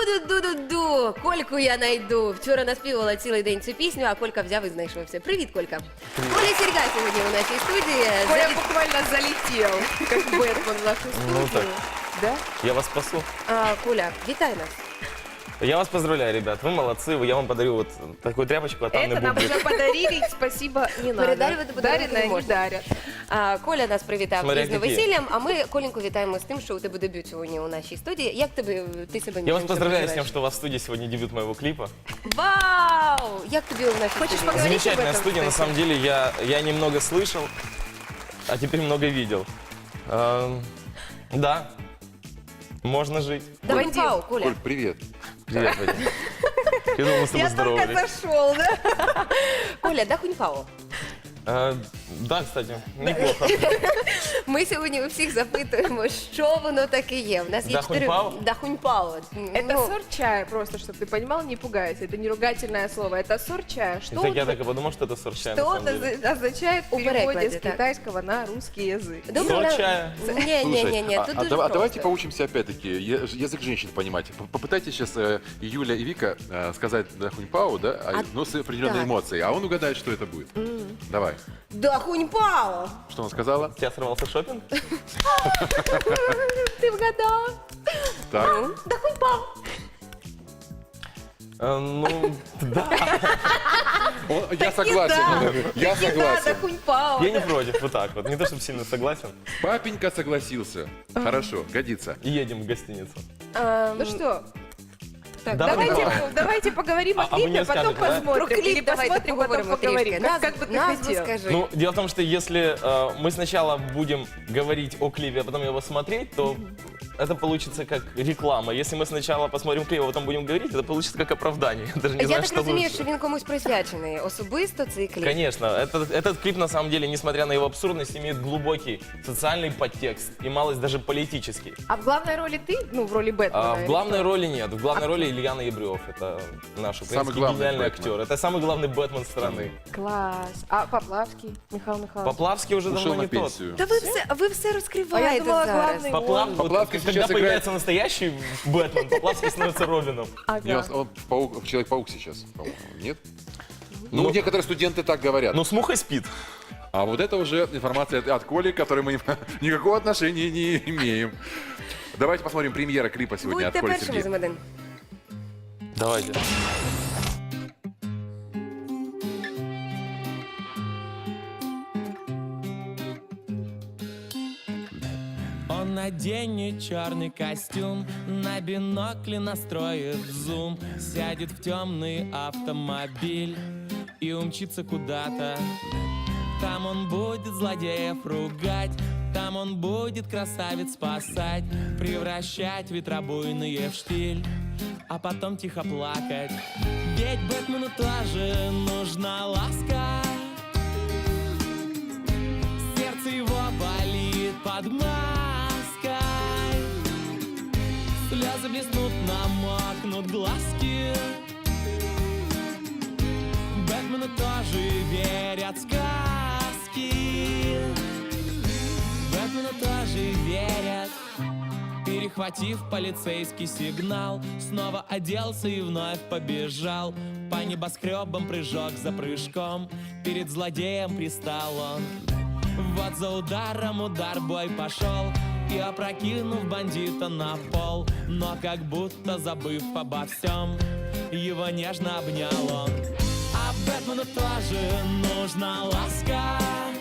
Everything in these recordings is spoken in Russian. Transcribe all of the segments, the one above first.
Ду-ду-ду-ду-ду, Кольку я найду. Вчора наспівала цілий день цю пісню, а Колька взяв і знайшовся. Привіт, Колька. Коля Серьга сьогодні у нашій студії. Коля буквально залетел, как Бэтмен в нашу студию. так. Да? Я вас спасу. Коля, вітай нас. Я вас поздравляю, ребят. Вы молодцы. Я вам подарю вот такую тряпочку, а там Это нам бублик. уже подарили, спасибо, не надо. Передарювати подарунки Дареное не не можна. дарят. Коля нас привітав Смотря пізно які. весіллям, а ми Коленьку вітаємо з тим, що у тебе дебют сьогодні у нашій студії. Як ти себе Я вас між поздравляю с почуваєш? тем, что у вас в студии сегодня дебют моего клипа. Вау! Як тобі у нашій Хочеш студії? поговорити? Замечательная об этом, студия, на кстати. самом деле. Я немного слышал, а теперь много видел. Да, можно жить. Давай Вадим. пау, Коля. Коль, привет. Привет, Вадим. Я думал, мы с тобой Я только здоровались. зашел, да? Коля, да хунь-пао. Да, кстати, неплохо. Ми сьогодні у всіх запитуємо, що воно таке є. У нас є Дахунь-пао? Дахунь-пао. Это сорт чая, просто, чтобы ты понимал, не пугайся. Это не ругательное слово, это сорт чая. Что, Так я так и подумал, что это сорт чая, на что самом деле. это означает в У переводе перекладе, с так. китайского на русский язык? Сорт чая. Ні, а тут дуже давайте просто. поучимся опять-таки язык женщин понимать. Попытайтесь сейчас Юля и Вика сказать Дахунь-пао, да, но с определенной так. эмоцией, а он угадает, что это будет. Давай. Дахунь-пао! Что он сказала? У тебя сорвался шопинг? Ти вгадав. Так. Дахунь-пао. Ну, да. Я согласен. Я Да, согласен. Дахунь-пао. Я не против, вот так вот. Не то, чтобы сильно согласен. Папенька согласился. Хорошо, годится. И едем в гостиницу. Ну что, Так, Давай, давайте поговорим А о вы клипе, не а потом скажете, да? Про посмотрим. Или кліп давайте посмотрим, потом поговоримо поговорим. трішки. Как бы ты Назву хотел. скажи. Ну, дело в том, что если мы сначала будем говорить о клипе, а потом его смотреть, то это получится как реклама. Если мы сначала посмотрим клип, а потом будем говорить, это получится как оправдание. Я даже не Я знаю, так что розумію, лучше. що він комусь присвячений особисто цей кліп. Конечно, этот клип на самом деле, несмотря на его абсурдность, имеет глубокий социальный подтекст и малость даже политический. А в главной роли ты? Ну, в роли Бэтмена. В главной роли нет. В главной роли Ильяна Ебрев. Это наш Самый украинский главный гениальный Бэтмен. актер. Это самый главный Бэтмен страны. Класс. А Поплавский? Михаил Михайлович? Поплавский уже Ушел давно на не тот. пенсию. Та ви все А я розкриваєте думала, зараз. главный Поплавский Когда сейчас появляется настоящий Бэтмен, Поплавский становится Робином. Ага. Он Человек-паук сейчас, по-моему, нет? Ну, некоторые студенты так говорят. Ну, с мухой спит. А вот это уже информация от Коли, к которой мы никакого отношения не имеем. Давайте посмотрим премьера клипа сегодня от Будьте Коли першими з Сергея. один. Давайте. Он наденет черный костюм, на бинокле настроит зум, сядет в темный автомобиль и умчится куда-то. Там он будет злодеев ругать, там он будет красавиц спасать, превращать ветра буйные в штиль, а потом тихо плакать. Ведь Бэтмену тоже нужна ласка, сердце его болит под маской, слезы блеснут, намокнут глазки. Бэтмену тоже верят сказки, Бэтмену тоже верят. Перехватив полицейский сигнал, снова оделся и вновь побежал. По небоскребам прыжок за прыжком, перед злодеем пристал он. Вот за ударом удар, бой пошел, и опрокинув бандита на пол, но как будто забыв обо всем, его нежно обнял он. А Бэтмену тоже нужна ласка,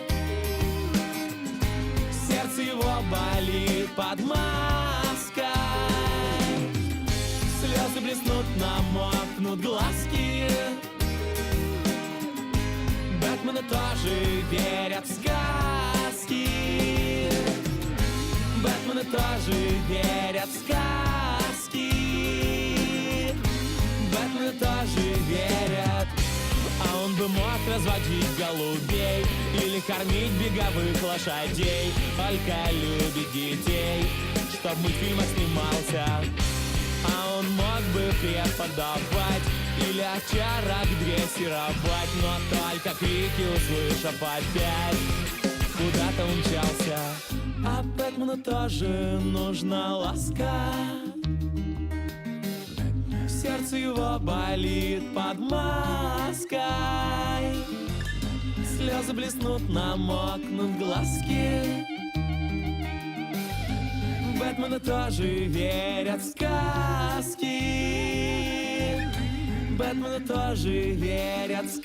сердце его болит под маской, слезы блеснут, намокнут глазки. Бэтмену тоже верят в сказки, Бэтмену тоже верят в сказки, Бэтмену тоже верят. А он бы мог разводить голубей или кормить беговых лошадей, только любит детей, чтоб в мультфильмах снимался. А он мог бы преподавать или овчарок дрессировать, но только крики услышав опять, куда-то умчался. А Бэтмену тоже нужна ласка, Сердце его болит под маской. Слезы блеснут, намокнут глазки. Бэтмены тоже верят в сказки. Бэтмены тоже верят в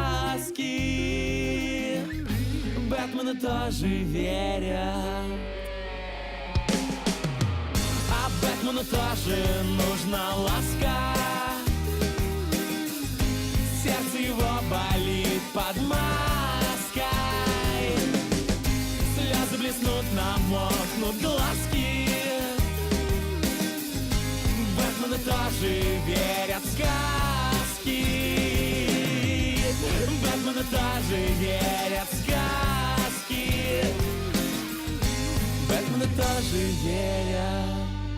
сказки. Бэтмены тоже верят. А Бэтмену тоже нужна ласка. Сердце его болит под маской. Слезы блеснут, намокнут глазки. Бэтмены тоже верят в сказки. Бэтмены тоже верят в сказки. Бэтмены тоже верят.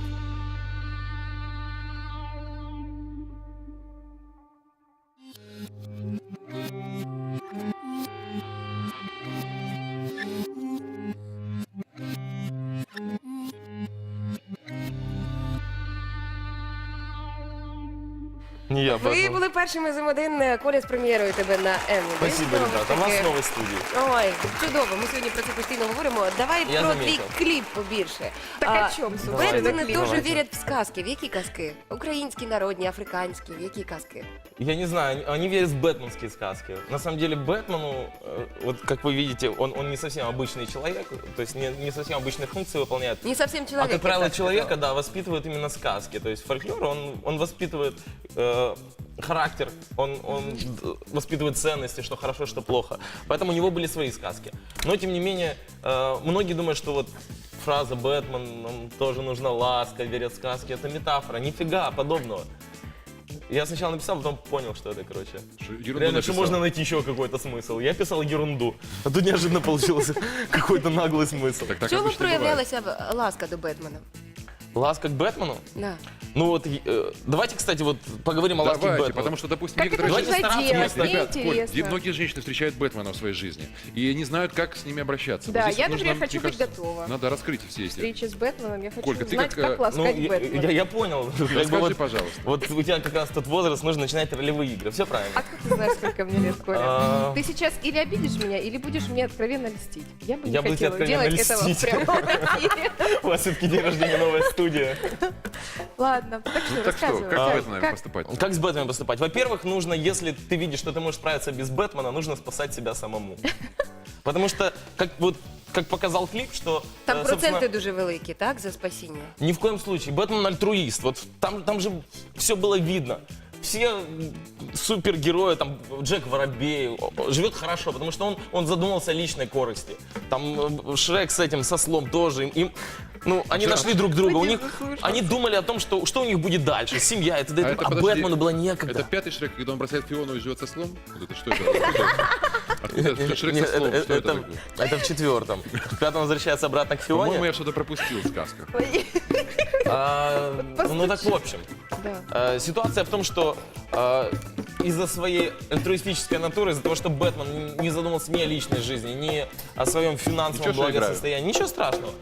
Не я, Ви Бэтмен. були першими з М1. Коля, з прем'єрою тебе на М1. Спасибо, ребята. У вас в новой студии. Ой, чудово. Ми сьогодні про це постійно говоримо. Давай Я про заметил. твій кліп побільше. Так о чому, собственно, Бетмени кліп? дуже Давайте. вірять в сказки. В які казки? Українські, народні, африканські. В які казки? Я не знаю, они верят в бэтменские сказки. На самом деле Бэтмену, вот как вы видите, он не совсем обычный человек, то есть не совсем обычные функции выполняет. Не совсем А чоловік. как правило, я так человека, сказала. да, воспитывают именно сказки. То есть фольклор, он воспитывает характер, он воспитывает ценности, что хорошо, что плохо. Поэтому у него были свои сказки. Но, тем не менее, многие думают, что вот фраза «Бэтмен, нам тоже нужна ласка, верят в сказки» — это метафора. Нифига подобного. Я сначала написал, потом понял, что это, короче. Ерунду Реально, что написал. можно найти еще какой-то смысл. Я писал ерунду, а тут неожиданно получился какой-то наглый смысл. Так В чому обычно бывает. проявлялася ласка до Бетмена? Ласка к Бэтмену? Да. Ну вот, давайте, кстати, вот поговорим о ласке к Давайте, Бэтмену. потому что, допустим, Как это некоторые... Давайте стараться делать? вместо- Мне Ребят, Коль, интересно. многие женщины встречают Бэтмена в своей жизни и не знают, как с ними обращаться. Да, Вот здесь я, вот например, нужно, хочу мне быть кажется, готова. Надо раскрыть все эти... Встречи с Бэтменом, я хочу Колька, ты знать, как, как Ну, ласкать Бэтмена. я понял. Как бы Расскажи, вот, пожалуйста. вот у тебя как раз тот возраст, нужно начинать ролевые игры. Все правильно. Откуда ты знаешь, сколько мне лет, Коля? А. Ты сейчас или обидишь меня, или будешь мне откровенно льстить. Я бы не Я буду тебе хотела откровенно делать этого в льстить. прямом эфире. У вас все-таки день рождения, новая студия. Ладно, так что Ну так что, рассказывай. как с Как- Бэтменом как- поступать? Как с Бэтменом поступать? Во-первых, нужно, если ты видишь, что ты можешь справиться без Бэтмена, нужно спасать себя самому. Потому что, как показал клип, что... Там собственно, проценти дуже великі, так, за спасіння? Ни в коем случае. Бэтмен альтруист. Вот там же все было видно. Все супергерои, там Джек Воробей, живет хорошо, потому что он задумался о личной корысти. Там Шрек с этим, со слом тоже. Ну, они нашли друг друга. У них, они думали о том, что у них будет дальше. Семья, и т.д. А подожди, Бэтмену было некогда. Это пятый Шрек, когда он бросает Фиону и живет со слом? Вот это что это? Откуда это? Шрек Нет, со слом, что это это, такое? это в четвертом. В пятом возвращается обратно к По-моему, Фионе. я что-то пропустил в сказках. Ну так в общем. Да. Ситуация в том, что из-за своей альтруистической натуры, из-за того, что Бэтмен не задумался ни о личной жизни, ни о своем финансовом Ничего, что играю. благосостоянии, ничего страшного.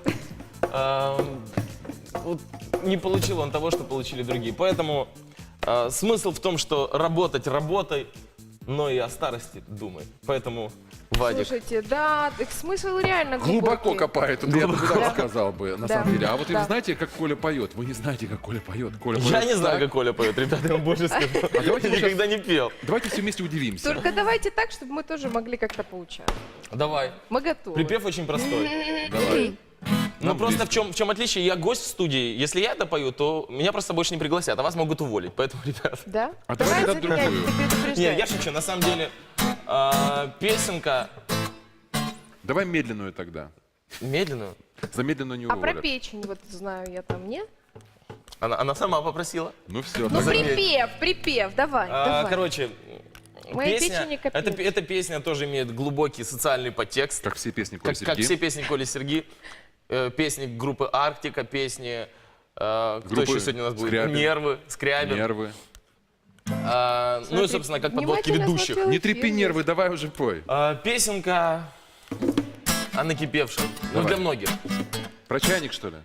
Вот не получил он того, что получили другие. Поэтому смысл в том, что работать работай, но и о старости думай. Поэтому, Вадик, Слушайте, да, так смысл реально Глубоко глубокий. копает, вот я бы так сказал бы, на Да. самом деле. А вот Да. вы знаете, как Коля поет? Вы не знаете, как Коля поет. Коля я поет не знаю, так. как Коля поет, ребята, я вам больше скажу. давайте Я мы никогда не пел. Давайте все вместе удивимся. Только давайте так, чтобы мы тоже могли как-то поучаствовать. Давай. Мы готовы. Припев очень простой. Давай. Ну Нам просто близко. в чем отличие? Я гость в студии. Если я это пою, то меня просто больше не пригласят, а вас могут уволить. Поэтому, ребят. Да? А давай тогда заменять, другую. ты предупреждай. Не, я шучу. На самом деле, песенка Давай медленную тогда. медленную. За медленную не А про уволят. печень, вот знаю я там, нет? Она сама попросила. Ну все, Ну, заметь. припев, давай, давай. Короче, Моя песня, печень не копеечка. эта песня тоже имеет глубокий социальный подтекст. как все песни Коли Как все Сергей. песни Коли Серги. Песни группы Арктика, песни... Кто Группы еще сегодня у нас будет? Скрябин. Нервы, Скрябин. Нервы. Ну и, собственно, как подводки Внимательно ведущих. смотрела Не трепи фильм. нервы, давай уже пой. Песенка о накипевшем. Ну, Давай. для многих. Про чайник, что ли?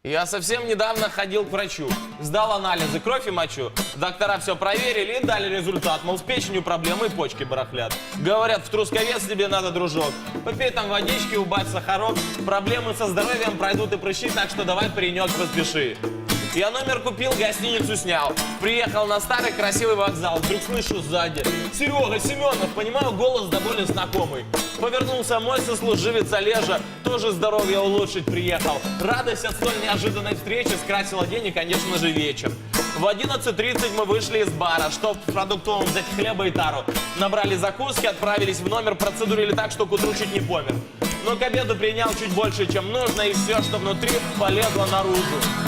Я совсем недавно ходил к врачу, сдал анализы, кровь и мочу. Доктора все проверили и дали результат, мол, с печенью проблемы и почки барахлят. Говорят, в Трусковец тебе надо, дружок. Попей там водички, убавь сахарок. Проблемы со здоровьем пройдут и прыщи, так что давай, паренек, поспеши. Я номер купил, гостиницу снял. Приехал на старый красивый вокзал. Вдруг слышу сзади: Серега Семенов, понимаю, голос довольно знакомый. Повернулся мой сослуживец Олежа, тоже здоровье улучшить приехал. Радость от столь неожиданной встречи скрасила день и, конечно же, вечер. В 11:30 мы вышли из бара, чтоб в продуктовом взять хлеба и тару. Набрали закуски, отправились в номер, процедурили так, что к утру чуть не помер. Но к обеду принял чуть больше, чем нужно, и все, что внутри, полезло наружу.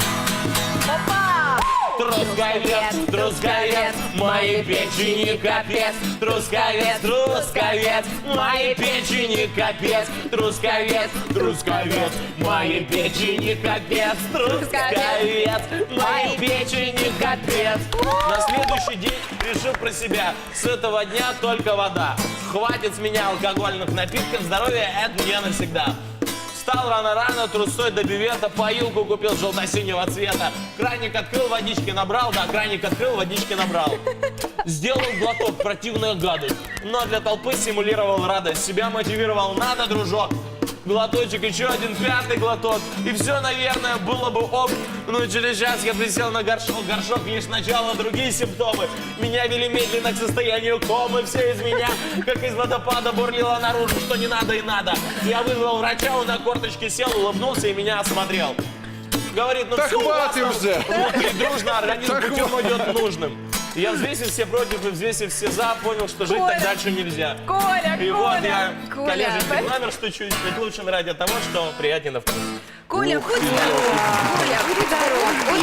Трусковец, трусковец, моей печени капец. Трусковец, трусковец, моей печени капец. Трусковец, трусковец, моей печени капец. Трусковец, моей печени капец. На следующий день решил про себя: с этого дня только вода. Хватит с меня алкогольных напитков, здоровье это мне навсегда. Встал рано-рано, трусой до бивета, поилку купил желто-синего цвета. Краник открыл, водички набрал, да, краник открыл, водички набрал. Сделал глоток, противная гадость, но для толпы симулировал радость. Себя мотивировал: надо, дружок. Глоточек, еще один, пятый глоток, и все, наверное, было бы ок. Но через час я присел на горшок, горшок лишь начало, другие симптомы меня вели медленно к состоянию комы. Все из меня, как из водопада, бурлило наружу, что не надо и надо. Я вызвал врача, он на корточке сел, улыбнулся и меня осмотрел. Говорит: ну Да все у вас хватит там уже! внутри дружно, организм путем идет нужным. Я взвесив все против и взвесив все за, понял, что жить так дальше нельзя. Коля, И вот я Коля. коллежский номер стучу, ведь лучше ради того, что приятнее на вкус. Коля, будь здоров. Коля, будь здоров.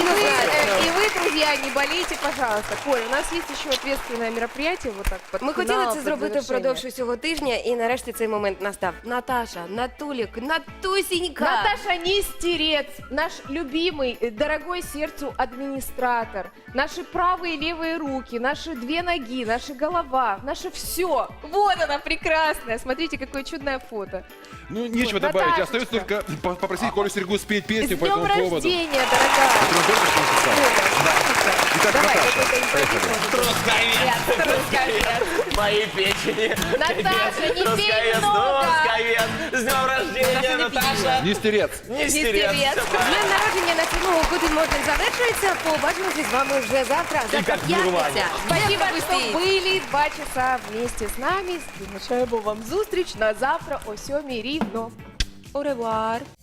И вы, друзья, не болейте, пожалуйста. Коля, у нас есть еще ответственное мероприятие, вот так под Ми фінал, хотіли це під зробити завершення. впродовж усього тижня, і нарешті цей момент настав. Наташа, Натулік, Натусінька. Наташа Нестерец, наш любимый, дорогой сердцу администратор, наши правые и левые руки, наши две ноги, наша голова, наше все. Вот она прекрасная. Смотрите, какое чудное фото. Ну, нечего Вот, добавить. Наташечка. Остается только попросить Колю Сергу спеть С песню по днем этому поводу. рождения, дорогая. Прям только что написал. Итак, Давай, Наташа, какой-то поехали. Трусковец, Трусковец. моей печени. Наташа, не пей Трусковец, много. Трусковец. С днем рождения, Наташа. Нестерец. Нестерец. З днем народження на цьому Гутен Морген завершується. Побачимося з вами вже завтра. Завтра як в Нірвані. п'ятниця. Спасибо, Як что ви были 2 часа вместе с нами. Залишаємо вам зустріч на завтра о 7 рівно. Au revoir.